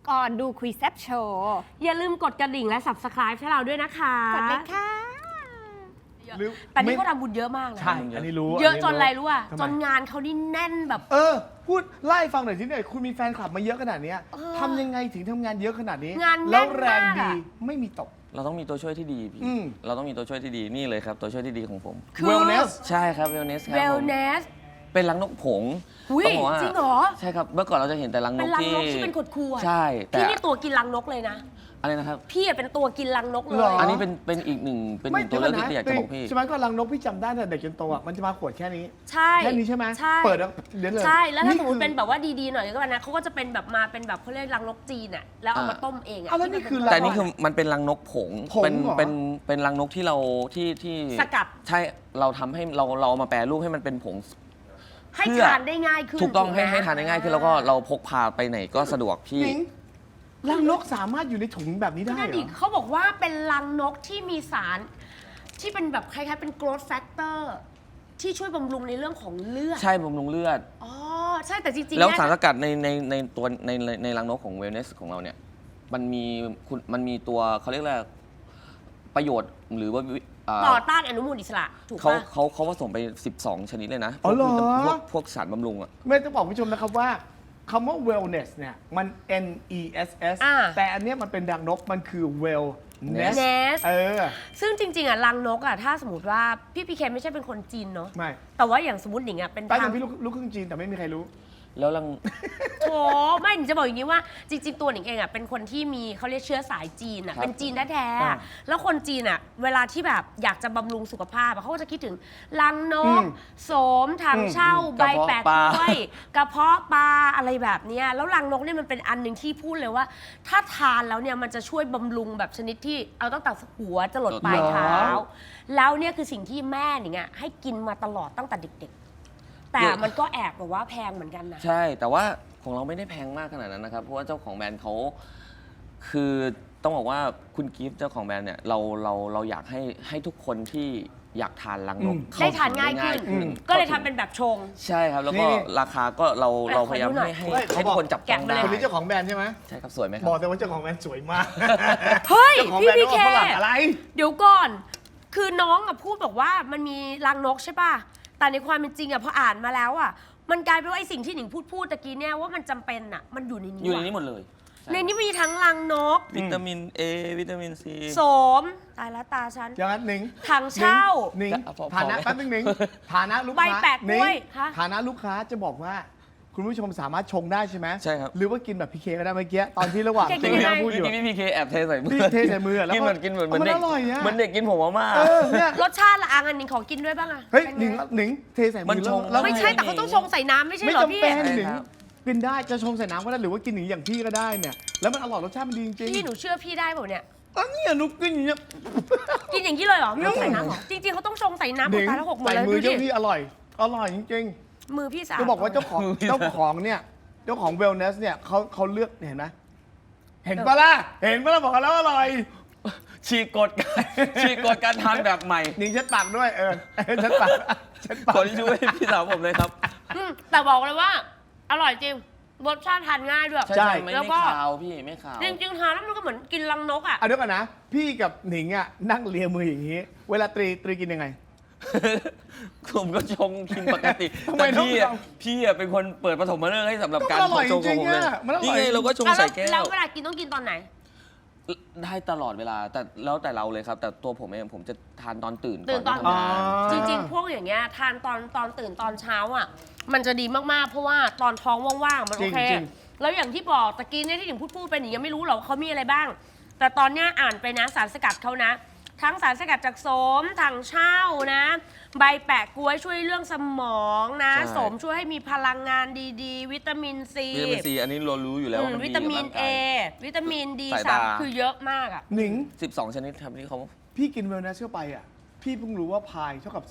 ก่อนดูคุยแซ่บโชว์อย่าลืมกดกระดิ่งและ Subscribe ให้เราด้วยนะคะกดเลยค่ะแต่นี่เขาทำบุญเยอะมากนะใช่ อันนี้รู้เยอะจนอะไรรู้อ่ะทำไมจนงานเขานี่แน่นแบบพูดไล่ฟังหน่อยสิเนี่ยคุณมีแฟนคลับมาเยอะขนาดเนี้ยเออทำยังไงถึงทำงานเยอะขนาดนี้งานแน่นแล้วแรงมากดีอะไม่มีตกเราต้องมีตัวช่วยที่ดีพี่อืมเราต้องมีตัวช่วยที่ดีนี่เลยครับตัวช่วยที่ดีของผมคือ Wellness ใช่ครับ wellness ครับผม Wellness เป็นรังนกผงอุ๊ยต้องบอกว่าจริงเหรอใช่ครับเมื่อก่อนเราจะเห็นแต่รังนเป็นกรังที่นกที่เป็นขดขวดใช่แต่พี่นี่ตัวกินรังนกเลยนะอะไรนะครับพี่อะเป็นตัวกินรังนกเลเหรยออันนี้เป็นอีกหนึ่งตัวเลือกที่อยากจะบอกพี่ใช่ไหมก็รังนกพี่จำได้แต่เด็กจนโตอ่ะมันจะมาขวดแค่นี้ใช่แค่นี้ใช่ไหมใช่เปิดแล้วเดี๋ยวเลยใช่แล้วถ้าสมมติคือเป็นแบบว่าดีๆหน่อยก็แบบนะเขาก็จะเป็นแบบมาเป็นแบบเขาเรียกรังนกจีนอ่ะแล้วเอามาต้มเองอ่ะเอาแล้วนี่คือแต่นี่คือมันเป็นรังนกผงผงเป็นเหรอเป็นรังนกที่เราที่สกัดใช่เราทำให้เราเอามาแปรรูปให้มันเป็นผงให้เพื่อทานได้ง่ายขึ้นถูกต้องไหมให้ทานได้ง่ายขึ้นแล้วก็เราพกพาไปไหนก็สะดวกพี่หนิงรังนกสามารถอยู่ในถุงแบบนี้ได้นั่นเหรดิอเขาบอกว่าเป็นรังนกที่มีสารที่เป็นแบบคล้ายๆเป็น growth factor ที่ช่วยบำรุงในเรื่องของเลือดใช่บำรุงเลือดอ๋อใช่แต่จริงๆแล้วเนี่ยสารสกัดในตัวในรังนกของ wellness ของเราเนี่ยมันมีตัวเขาเรียกว่าประโยชน์หรือว่าต่อต้านอนุมูลอิสระถูกเขาปะเขาผสมไป 12 ชนิดเลยนะอ๋อเหรอพวกสารบำรุงอ่ะไม่ต้องบอกผู้ชมนะครับว่าคำว่า wellness เนี่ยมัน N E S S อ่าแต่อันเนี้ยมันเป็นดังนกมันคือ wellness Ness ซึ่งจริงๆอ่ะรังนกอ่ะถ้าสมมติว่าพี่พีเคไม่ใช่เป็นคนจีนเนาะไม่แต่ว่าอย่างสมมติหนิงอ่ะเป็นป้าทาเป็งนพี่ลูกครึ่งจีนแต่ไม่มีใครรู้แล้วรังโถไม่หนิงจะบอกอย่างนี้ว่าจริงๆตัวหนิงเองอ่ะเป็นคนที่มีเขาเรียกเชื้อสายจีนอ่ะครับเป็นจีนแท้ๆอ่าอะแล้วคนจีนอ่ะเวลาที่แบบอยากจะบำรุงสุขภาพอะเขาก็จะคิดถึงรังนกอืมโสมถังเช่า ใบแปะกระเพาะปลากล้วยกระเพาะปลาอะไรแบบเนี้ยแล้วรังนกเนี่ยมันเป็นอันหนึ่งที่พูดเลยว่า ถ้าทานแล้วเนี่ยมันจะช่วยบำรุงแบบชนิดที่เอาตั้งแต่หัวจะหลดปลายเท้า แล้วเนี่ยคือสิ่งที่แม่หนิงอ่ะให้กินมาตลอดตั้งแต่เด็กๆ แต่มันก็แอบแบบว่าแพงเหมือนกันนะใช่แต่ว่าของเราไม่ได้แพงมากขนาดนั้นนะครับ เพราะว่าเจ้าของแบรนด์เขาคือต้องบอกว่าคุณกิฟต์เจ้าของแบรนด์เนี่ยเราอยากให้ทุกคนที่อยากทานรังนก เข้ได้ทานถึง่ายขึ้นอืมก็เลยทำเป็นแบบชงใช่ครับ แล้วนี่ก็ราคาก็เราขอพยายามดูหน่อยให้เฮ้ยให้ทุกคนจับต้องแกะมาได้เลยคนนี้เจ้าของแบรนด์ใช่ไหมใช่ครับสวยไหมครับอบ กแต่ว่าเจ้าของแบรนด์สวยมากเฮ้ยเจ้าของพี่แบรนด์พีว่าเคฝรั่งอะไรเดี๋ยวก่อน คือน้องอะพูดบอกว่ามันมีรังนกใช่ป่ะ แต่ในความเป็นจริงอะพออ่านมาแล้วอะมันกลายเป็นว่าไอ้สิ่งที่หนิงพูดตะกี้เนี่ยว่ามันจำเป็นอะมันอยู่ในนี้อยู่ในว่ะนี้หมดเลยในนี้มีทั้งรังนกวิตามิน A วิตามิน C โสมตายแล้วตาฉันอย่างนั้นหนิงถังเช่าหนิงพอฐานะไหมแป๊บนึงหนิงฐานะลูกใบค้าแปะกล้วยหนิงฮะฐานะลูกค้าจะบอกว่า คุณผู้ชมสามารถชงได้ใช่ไหมใช่ครับหรือว่ากินแบบพีเคก็ได้เมื่อกี้ตอนที่ระหว่างพี่เคกินที่ยังไงเราพูดอยู่พี่พีเคแอบเทใส่มือพี่เทใส่มือแล้วกินเหมือนกินเหมือนมันเด็กอร่อยอะเหมือนเด็กกินผงมาม่าเนี่ยรสชาติละอันหนิงขอกินด้วยบ้างอะเฮ้ยเป็นหนิงไงหนิงเทใส่มืมันอชงแล้วไม่ใช่แต่เขาต้องชงใส่น้ำไม่ใช่ไม่เหรอจำพี่เป็นใช่หนิงครับกินได้จะชงใส่น้ำก็ได้หรือว่ากินหนิงอย่างพี่ก็ได้เนี่ยแล้วมันอร่อยรสชาติมันดีจริงพี่หนูเชื่อพี่ได้เปล่าเนี่ยอันนี้นุกกินอย่างเงี้ยกินอย่างนี้เลยเหรอไม่ต้องใส่น้ำเหรอจริงๆเขาต้องชงใส่น้ำหนิงตายแล้วหกหมดใส่เลยมืดูอดิเจ้าพี่อร่อยจริงมือพี่สาวๆจะบอกว่าเจ้าของเนี่ยเจ้าของ wellness เนี่ยเขาเลือกเห็นไหมเห็นปะล่ะบอกกันแล้วอร่อยฉีกกฎการฉีกกฎการทานแบบใหม่หนิงเช็ดปากด้วยเช็ดปากเช็ดปากขอที่ช่วยพี่สาวผมเลยครับแต่บอกเลยว่า อร่อยจริงรสชาติทานง่ายด้วยใช่ไม่แล้วก็ขาวพี่ไม่ขาวจริงๆทานแล้วมันก็เหมือนกินรังนกอ่ะเดี๋ยวก่อนนะ พี่กับหนิงอ่ะนั่งเลียมืออย่างนี้ เวลาตรีกินยังไงผมก็ชงกินปกติทำไมแต่ต้องพี่อะเป็นคนเปิดปฐมฤกษ์ให้สำหรับการก็อร่อยชงจริงของผมๆเลยอะมันอร่อยนี่ไงเราก็ชงใส่แก้แล้ววเวลากินต้องกินตอนไหนได้ตลอดเวลาแต่แล้วแต่เราเลยครับ แต่ตัวผมเองผมจะทานตอนตื่นตื่นตอนก่ที่ทำงานจริงๆ พวกอย่างเงี้ยทานตอนตื่นตอนเช้าอ่ะ มันจะดีมากๆ เพราะว่าตอนท้องว่างๆ มันโอเคจริงแล้วอย่างที่บอกตะกี้เนี่ยที่หนิงพูดไปหนิงยังไม่รู้หรอกว่าเขามีอะไรบ้าง แต่ตอนเนี้ยอ่านไปนะสารสกัดเขานะ ทั้งสารสกัดจากโสมถังเช่านะ ใบแปะกล้วยช่วยเรื่องสมองนะใช่โสมช่วยให้มีพลังงานดีๆ วิตามินซีวิตามินซีอันนี้เรารู้อยู่แล้วว่ามันวิตามินกับเอร่างกายวิตามินดีสายสาตามคือเยอะมากอ่ะหนิง 12 ชนิดครับที่เขาพี่กิน wellness เข้าไปอ่ะพี่เพิ่งรู้ว่าพายเท่ากับ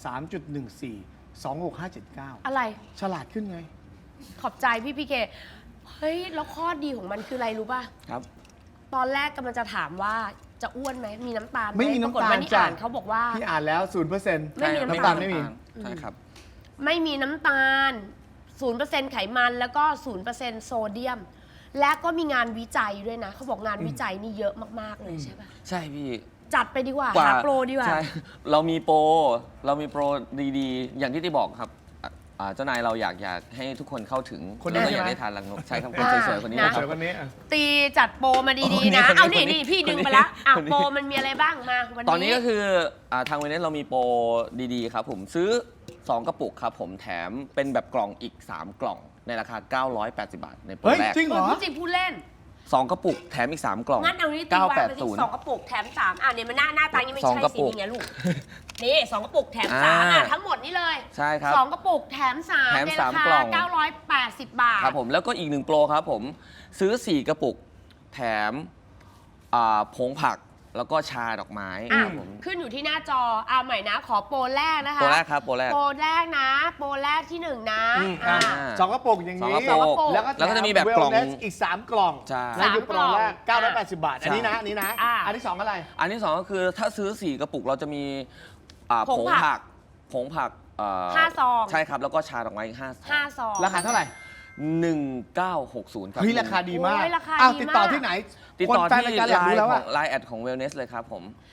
3.14 26579 อะไรฉลาดขึ้นไงขอบใจพี่พีเค เฮ้ย แล้วข้อดีของมันคืออะไรรู้ป่ะครับตอนแรกกำลังจะถามว่าจะอ้วนไหม มีน้ำตาลหไม่มีปรากฏน้ำตาลว่านี่จ้ะอ่านเขาบอกว่าพี่อ่านแล้ว 0% ไม่มีน้ำน้ำตาลไม่มีใช่ครับไม่มีน้ำตาล 0% ไขมัน แล้วก็ 0% โซเดียมและก็มีงานวิจัยด้วยนะ เขาบอกงานวิจัยนี่เยอะมากๆเลยใช่ปะใช่พี่จัดไปดีกว่าหาโปรดีกว่าใช่เรามีโปรดีๆ อย่างที่ที่บอกครับเจ้านายเราอยากให้ทุกคนเข้าถึงคนนี้แล้วก็อยากใช่ไหมได้ทานรังนกใช่ครับคนสวยๆคนนี้นะนะครับเดี๋ยววันนี้อ่ะตีจัดโปรมาดีคนนี้ๆนะคนนี้เอาคนนี้นี่พี่ดึงไปแล้วอ่ะคนนี้โปรมันมีอะไรบ้างมาวันนี้ตอนนี้ก็คือทางเวเนสเรามีโปรดีๆครับผมซื้อ 2 กระปุกครับผมแถมเป็นแบบกล่องอีก 3 กล่องในราคา 980 บาทในโปรเฮ้ยแรกจริงเหรอพูดจริงพูดเล่น 2 กระปุกแถมอีก 3 กล่องงั้นเอานี้ตีวางไปที่สองกระปุกแถมสามเนี่ยมันหน้าตายังไม่สองใช่กระสิปุกนี่ไงลูกนี่สองกระปุกแถมสามอ่าทั้งหมดนี่เลยใช่ครับสองกระปุกแถมสามแถมในสาราม คกล่องา980 บาทครับผมแล้วก็อีก1โปรครับผมซื้อ 4 กระปุกแถมผงผักแล้วก็ชาดอกไม้อ่ะครับผมขึ้นอยู่ที่หน้าจอเอาใหม่นะ ขอโปรแรกนะคะโปรแรกครับโปรแรกโปรแรกนะ โปรแรกที่หนึ่งนะอ่ะอ่าสองกระปุกอย่างนี้สองกระปุกแล้วก็แล้วก็จะมีแบบกล่องเวลเนสอีก 3 กล่องใช่นั่นคือโปรแรกสามกล่อง 980 บาท อันนี้นะ อันนี้นะอ่าอันที่ 2 อะไรอันที่ 2 ก็คือถ้าซื้อ 4 กระปุกเราจะมีผงผงผัผักกผงผัก 5 ซองใช่ครับ แล้วก็ชาดอกไม้อีก5ซอง 5 ซองราคาเท่าไหร่ 1960 ครับเฮ้ย ราคาดีมากโอ้ยราคาอ้าวดีติดต่อมากที่ไหนติดคนต่อแฟนที่รายการอยากรู้แล้วขว่าองไลน์แอดของ Wellness เลยครับผม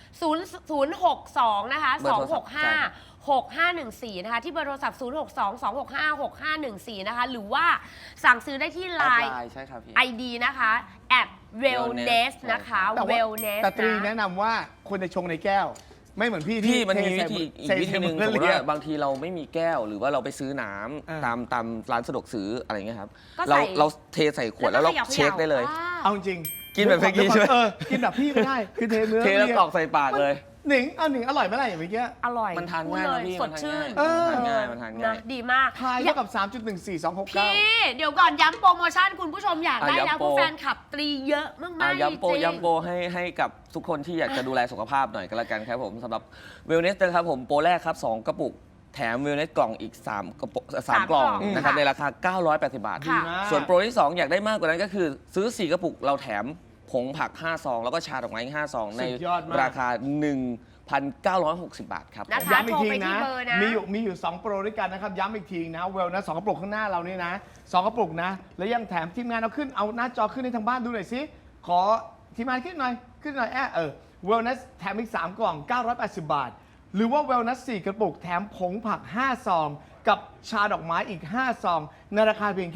062 นะคะเบอร์โทรศัพท์ใช่ครับ 265 6514 นะคะ ที่เบอร์โทรศัพท์ 062 265 6514 นะคะ หรือว่าสั่งซื้อได้ที่แอด Line ไลน์ใช่ครับพี่ ID นะคะ@wellness นะคะแต่ว่า wellness แต่ตรีนะแนะนำว่าควรจะชงในแก้ว ไม่เหมือนพี่พี่มันเทมีวิใส่ธีอีกใส่วิธีหนึ่งใส่สมมมือติเรียว่าบางทีเราไม่มีแก้ว หรือว่าเราไปซื้อน้อ่าำตามร้านสะดวกซื้ออะไรเงี้ยครับก็ใส่เราเทใส่ขวดแล้วเราเช็คได้เลยเอาจริงกินแบบเมื่อกี้ใช่ไหมกินแบบพี่ไม่ได้ คือเทเนื้อเทแล้วรียกรอกใส่ปากเลยหนิงเอาหนิงอร่อยไหมล่ะอย่างเมื่อกี้อร่อยมันทานพูดง่ายเลนะยพี่สมัดนทานชื่นง่ายมันทานง่ายนะดีมากทายเท่ากับ 3.14269 พี่ เดี๋ยวก่อนย้ำโปรโมชั่นคุณผู้ชมอยากได้แล้วย้ำเพโปรราะแฟนคลับตรีเยอะมากๆจย้ำโปรริงย้ำโปรให้กับทุกคนที่อยากจะดูแลสุขภาพหน่อยก็แล้วกันครับผมสำหรับ Wellness นะครับผมโปรแรกครับ 2 กระปุก แถม Wellness กล่องอีก 3 กระปุก3 กล่องนะครับค่ะในราคา 980 บาทค่ะส่วนโปรที่ 2 อยากได้มากกว่านั้นก็คือ ซื้อ 4 กระปุกเราแถมผงผัก 5 ซอง แล้วก็ชาดอกไม้อีก5 ซอง ในสุดยอดมากราคา 1,960 บาทครับนะคะย้ำอีกทีโทรไปที่นะเบอร์นะมีอยู่ 2 โปรด้วยกันนะครับ ย้ำอีกทีนะเวลนะ2กระปุกข้างหน้าเรานี่นะ 2 กระปุกนะ แล้วยังแถมทีมงานเอาหน้าจอขึ้นให้ทางบ้านดูหน่อยสิ ขอทีมงานขึ้นหน่อยเวลนัสแถมอีก 3 กล่อง 980 บาท หรือว่าเวลนัส4 กระปุกแถมผงผัก 5 ซอง กับชาดอกไม้อีก 5 ซอง ในราคาเพียงแค่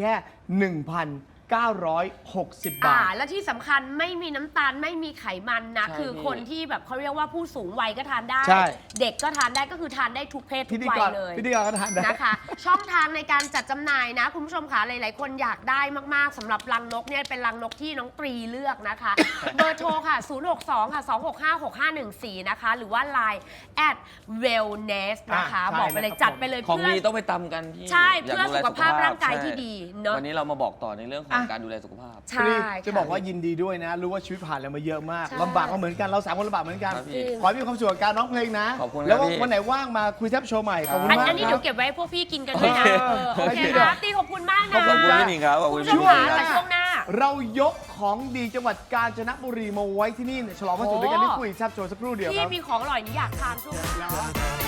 1,960 บาทและที่สำคัญไม่มีน้ำตาลไม่มีไขมันนะใช่คือพี่คนที่แบบเขาเรียกว่าผู้สูงวัยก็ทานได้ใช่เด็กก็ทานได้ก็คือทานได้ทุกเพศทุพิกธีวักยรเลยพิธีกรก็ทานได้นะคะ ช่องทางในการจัดจำหน่ายนะ คุณผู้ชมคะหลายๆ คนอยากได้มากๆสำหรับรังนกเนี่ยเป็นรังนกที่น้องตรีเลือกนะคะ เบอร์โทรค่ะ 062 ค่ะ 265 6514 นะคะ หรือว่า Line @wellness นะคะใช่บอกไปเลยนะครับจัดไปเลยของเพื่อดีต้องไปตำกันที่ใช่ยากเพื่อดูแลสุขภาพร่างกายใช่ที่ดีเนอะวันนี้เรามาบอกต่อในเรื่องของอ่ะการดูแลสุขภาพใช่จะบอกว่ายินดีด้วยนะ รู้ว่าชีวิตผ่านอะไรมาเยอะมากใช่ลำบากก็เหมือนกัน เรา3 คนลำบากเหมือนกันครับพี่ขอให้มีความสุขกับการร้องเพลงนะขอบคุณครับแล้วก็พี่วันไหนว่างมาคุยแทบโชว์ใหม่ ขอบคุณอันมากนี้คเดี๋รัยวบเก็บไว้ให้พวกพี่กินกันด้วยนะ โอเคได้นะตีขอบคุณมากนะขอบขอบคุณจ้ะพี่หนิงครับขอบคุณช่พี่วงหหนิน้าง ค่ะช่วงหน้าเรายกของดีจังหวัดกาญจนบุรีมาไว้ที่นี่ฉลองวันศุกร์ด้วยกันที่คุยแทบโชว์สักครู่เดียวคพี่รับมีของอร่อยนี่อยากทานช่วงหน้า